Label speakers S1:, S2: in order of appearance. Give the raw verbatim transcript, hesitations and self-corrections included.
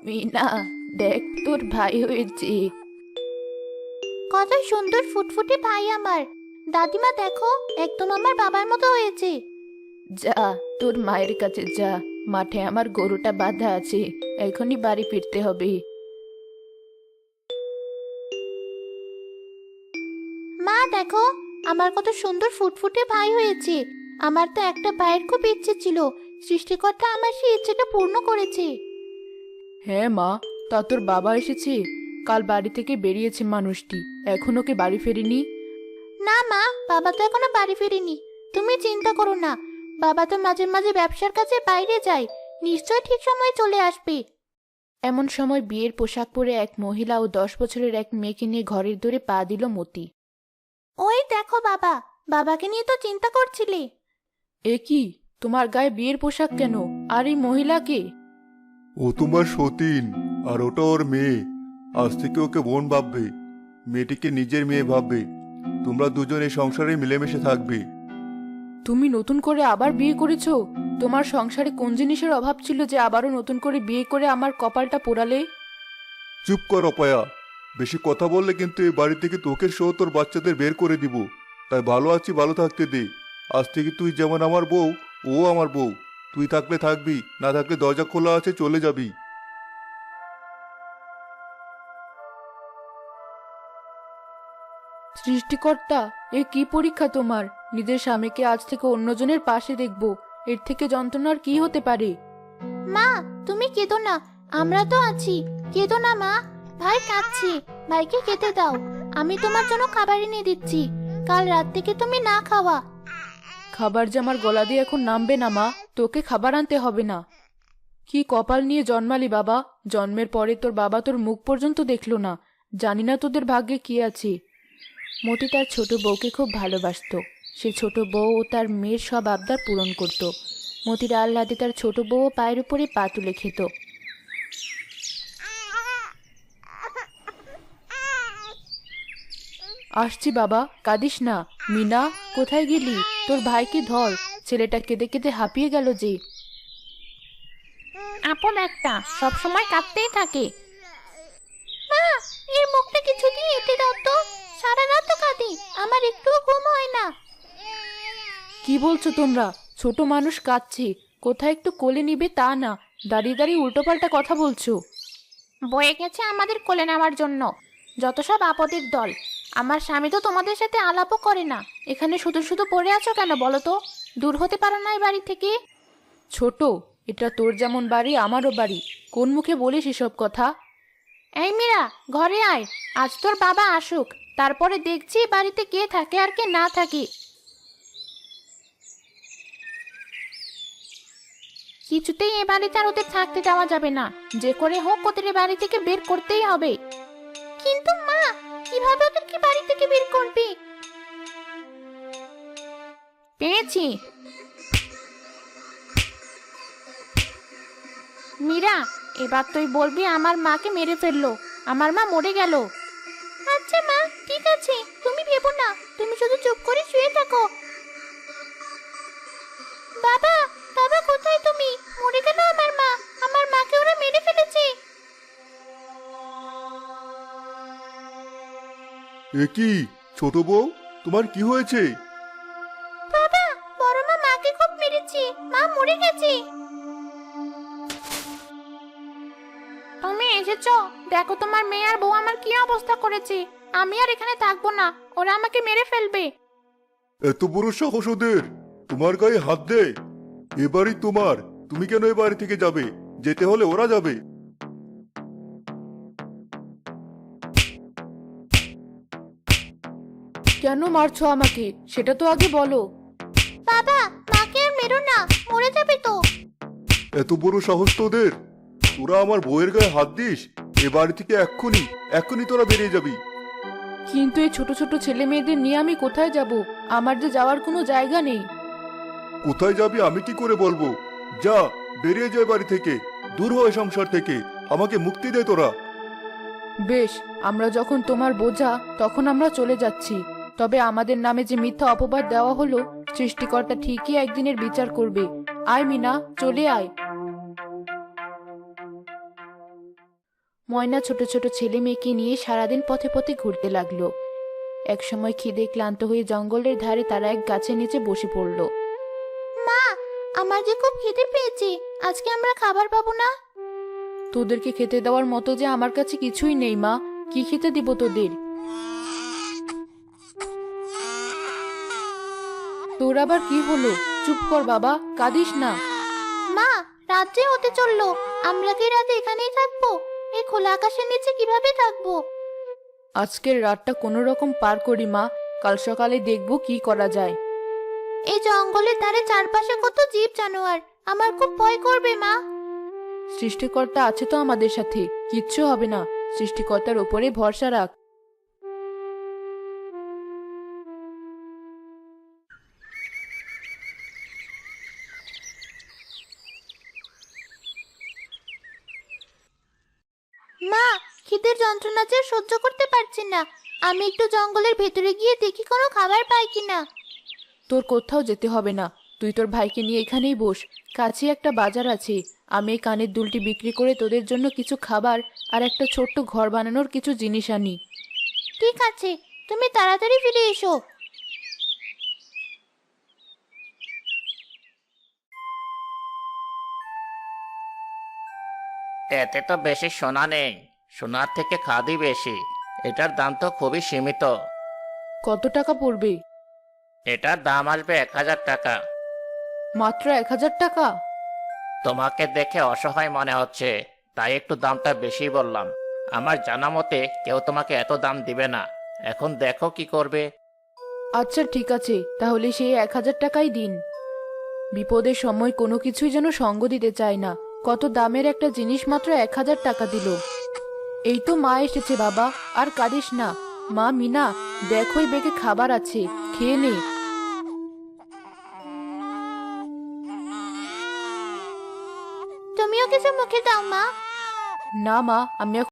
S1: মিনা, দেখ তোর ভাই হয়েছে।
S2: কত সুন্দর ফুটফুটে ভাই আমার। দাদিমা দেখো, একদম আমার বাবার মতো হয়েছে।
S1: যা, তোর মায়ের কাছে যা। মাঠে আমার গরুটা বাঁধা আছে, এখনই বাড়ি ফিরতে হবে।
S2: মা দেখো, আমার কত সুন্দর ফুটফুটে ভাই হয়েছে। আমার তো একটা ভাইয়ের খুব ইচ্ছে ছিল, সৃষ্টিকর্তা আমার সেই ইচ্ছেটা পূর্ণ করেছে।
S1: হ্যাঁ মা, তা তোর বাবা এসেছে? কাল বাড়ি থেকে বেরিয়েছে মানুষটি, এখনো কি বাড়ি ফেরেনি?
S2: না মা, বাবা তো এখনো বাড়ি ফেরেনি। তুমি চিন্তা করো না, বাবা তো মাঝে মাঝে ব্যবসার কাজে বাইরে যায়, নিশ্চয় ঠিক সময়ে চলে আসবে।
S1: এমন সময় বিয়ের পোশাক পরে এক মহিলা ও দশ বছরের এক মেয়েকে নিয়ে ঘরের দূরে পা দিল মতি।
S2: ওই দেখো বাবা, বাবাকে নিয়ে তো চিন্তা করছিলে।
S1: এ কি, তোমার গায়ে বিয়ের পোশাক কেন? আর এই মহিলাকে?
S3: ও তোমার সতীন, আর ওটা ওর মেয়ে। আজ থেকে ওকে বোন ভাববে, মেয়েটিকে নিজের মেয়ে ভাববে। তোমরা দুজন এই সংসারে মিলেমিশে থাকবে।
S1: তুমি নতুন করে আবার বিয়ে করেছো? তোমার সংসারে কোন জিনিসের অভাব ছিল যে আবারও নতুন করে বিয়ে করে আমার কপালটা পোড়ালে?
S3: চুপ কর অপয়া, বেশি কথা বললে কিন্তু এই বাড়ি থেকে তোকে সহ তোর বাচ্চাদের বের করে দিব। তাই ভালো আছি, ভালো থাকতে দে। আজ থেকে তুই যেমন আমার বউ, ও আমার বউ। তুই থাকলে থাকবি, না থাকলে দরজা খোলা আছে, চলে যাবি।
S1: সৃষ্টিকর্তা, এ কি পরীক্ষা তোমার? নিজের স্বামীকে আজ থেকে অন্যজনের পাশে দেখবো, এর থেকে যন্ত্রণার কি হতে পারে?
S2: মা, তুমি কেঁদো না, আমরা তো আছি। কেঁদো না মা, ভাই কাঁদছে, ভাইকে খেতে দাও। আমি তোমার জন্য খাবার এনে দিচ্ছি, কাল রাত থেকে তুমি না খাওয়া।
S1: খাবার যে আমার গলা দিয়ে এখন নামবে না মা, তোকে খাবার আনতে হবে না। কি কপাল নিয়ে জন্মালি বাবা, জন্মের পরে তোর বাবা তোর মুখ পর্যন্ত দেখলো না। জানি না তোদের ভাগ্যে কি আছে। মতি তার ছোট বউকে খুব ভালোবাসতো। সে ছোট বউ ও তার মেয়ের সব আবদার পূরণ করত। মতির আহ্লাদে তার ছোট বউ পায়ের উপরে পা তুলে খেত। আসছি বাবা, কাঁদিস না। মিনা, কোথায় গেলি? তোর ভাইকে ধর, ছেলেটা কেঁদে কেঁদে হাঁপিয়ে গেল যে।
S2: আপন একটা সব সময় কাঁদতেই থাকে। মা, এর মুখটা কিছু দিয়ে এঁটে দাও তো, সারা রাত তো কাঁদি, আমার একটুও ঘুম হয় না।
S1: কি বলছো তোমরা? ছোট মানুষ কাঁদছে, কোথায় একটু কোলে নিবে তা না, দাঁড়িয়ে দাঁড়িয়ে উল্টোপাল্টা কথা বলছো।
S2: বয়ে গেছে আমাদের কোলে নেওয়ার জন্য, যত সব আপদের দল। আমার স্বামী তো তোমাদের সাথে আলাপও করে না, এখানে শুধু শুধু পড়ে আছো কেন বলো তো? দূর হতে পারো না এই বাড়ি থেকে?
S1: ছোট, এটা তোর যেমন বাড়ি আমারও বাড়ি, কোন মুখে বলিস এসব কথা?
S2: এই মীরা, ঘরে আয়। আজ তোর বাবা আসুক, তারপরে দেখছি বাড়িতে কে থাকে আর কে না থাকে। কিছুতেই এ বাড়িতে আর ওদের থাকতে দেওয়া যাবে না, যে করে হোক ওদের এ বাড়ি থেকে বের করতেই হবে। কিন্তু মা, কিভাবে ওদেরকে বাড়ি থেকে বের করবি? পেয়েছি। মীরা, এবার তুই বলবি আমার মাকে মেরে ফেললো, আমার মা মরে গেল। আচ্ছা মা, ঠিক আছে, তুমি ভেবো না, তুমি শুধু চুপ করে শুয়ে থাকো। বাবা, বাবা কোথায় তুমি? মরে গেল আমার মা, আমার মাকে ওরা মেরে ফেলেছে।
S3: এ কি ছোট বউ, তোমার কি হয়েছে?
S2: বাবা, বড় মা মাকে খুব মেরেছে, মা মরে গেছে। তুমি এসেছো, দেখো তোমার মেয়ে আর বউ আমার কি অবস্থা করেছে। আমি আর এখানে থাকবো না, ওরা আমাকে মেরে ফেলবে।
S3: এত বড় সাহস ওদের, তোমার গায়ে হাত দে। এবারই তোমার, তুমি কেন এ বাড়ি থেকে যাবে? যেতে হলে ওরা যাবে।
S1: কেন মারছো আমাকে, সেটা তো আগে বলো।
S2: বাবা, মাকে আর মেরো না, মরে যাবে তো।
S3: এত বড় সাহস তোদের, তোরা আমার বউয়ের গায়ে হাত দিস? এ বাড়ি থেকে এক্ষুনি, এক্ষুনি তোরা বেরিয়ে যাবি।
S1: কিন্তু এই ছোট ছোট ছেলে মেয়েদের নিয়ে আমি কোথায় যাব? আমার যে যাওয়ার কোনো জায়গা নেই।
S3: কোথায় যাবি আমি কি করে বলবো? যা, বেরিয়ে যায় বাড়ি থেকে, দূর হয় সংসার থেকে, আমাকে মুক্তি দে তোরা।
S1: বেশ, আমরা যখন তোমার বোঝা তখন আমরা চলে যাচ্ছি। তবে আমাদের নামে যে মিথ্যা অপবাদ দেওয়া হলো, সৃষ্টিকর্তা ঠিকই একদিনের বিচার করবে। আয় মিনা, চলে আয়। ময়না ছোট ছোট ছেলে মেয়েকে নিয়ে সারাদিন পথে পথে ঘুরতে লাগলো। একসময় খিদে ক্লান্ত হয়ে জঙ্গলের ধারে তারা এক গাছের নিচে বসে পড়ল।
S2: মা, আমার যে খুব খিদে পেয়েছে, আজকে আমরা খাবার পাবো না।
S1: তোদেরকে খেতে দেওয়ার মতো যে আমার কাছে কিছুই নেই মা, কি খেতে দিব তোদের? তোর আবার কি হলো? চুপ কর বাবা, কাঁদিস না।
S2: মা, রাত যে হতে চললো, আমরা কি রাতে এখানেই থাকবো? এই খোলা আকাশের নিচে কিভাবে থাকবো?
S1: আজকের রাতটা কোনো রকম পার করি মা, কাল সকালে দেখব কি করা যায়।
S2: এই জঙ্গলের ধারে চারপাশে কত জীব জানোয়ার, আমার খুব ভয় করবে মা।
S1: সৃষ্টিকর্তা আছে তো আমাদের সাথে, কিচ্ছু হবে না। সৃষ্টিকর্তার উপরে ভরসা রাখ।
S2: মা, খিদের যন্ত্রণা যে আর সহ্য করতে পারছি না। আমি একটু জঙ্গলের ভেতরে গিয়ে দেখি কোনো খাবার পাই কিনা।
S1: তোর কোথাও যেতে হবে না, তুই তোর ভাইকে নিয়ে এখানেই বস। কাছে একটা বাজার আছে, আমি এই কানের দুলটি বিক্রি করে তোদের জন্য কিছু খাবার আর একটা ছোট্ট ঘর বানানোর কিছু জিনিস আনি।
S2: ঠিক আছে, তুমি তাড়াতাড়ি ফিরে এসো।
S4: এতে তো বেশি সোনা নেই, সোনার থেকে খাদি বেশি। এটার দাম তো খুবই সীমিত।
S1: কত টাকা পড়বে?
S4: এটার দাম আসবে এক হাজার টাকা।
S1: মাত্র এক হাজার টাকা?
S4: তোমাকে দেখে অসহায় মনে হচ্ছে, তাই একটু দামটা বেশি বললাম। আমার জানা মতে কেউ তোমাকে এত দাম দিবে না। এখন দেখো কি করবে।
S1: আচ্ছা ঠিক আছে, তাহলে সেই এক হাজার টাকাই দিন। বিপদের সময় কোনো কিছুই যেন সঙ্গ দিতে চায় না, কত দামের একটা জিনিস মাত্র এক হাজার টাকা দিল। এই তো মা এসেছে বাবা, আর কাঁদিস না। মা মিনা, দেখো এই বেগে খাবার আছে, খেয়ে নে।
S2: তুমিও কিছু মুখে দাও মা।
S1: না মা, আমি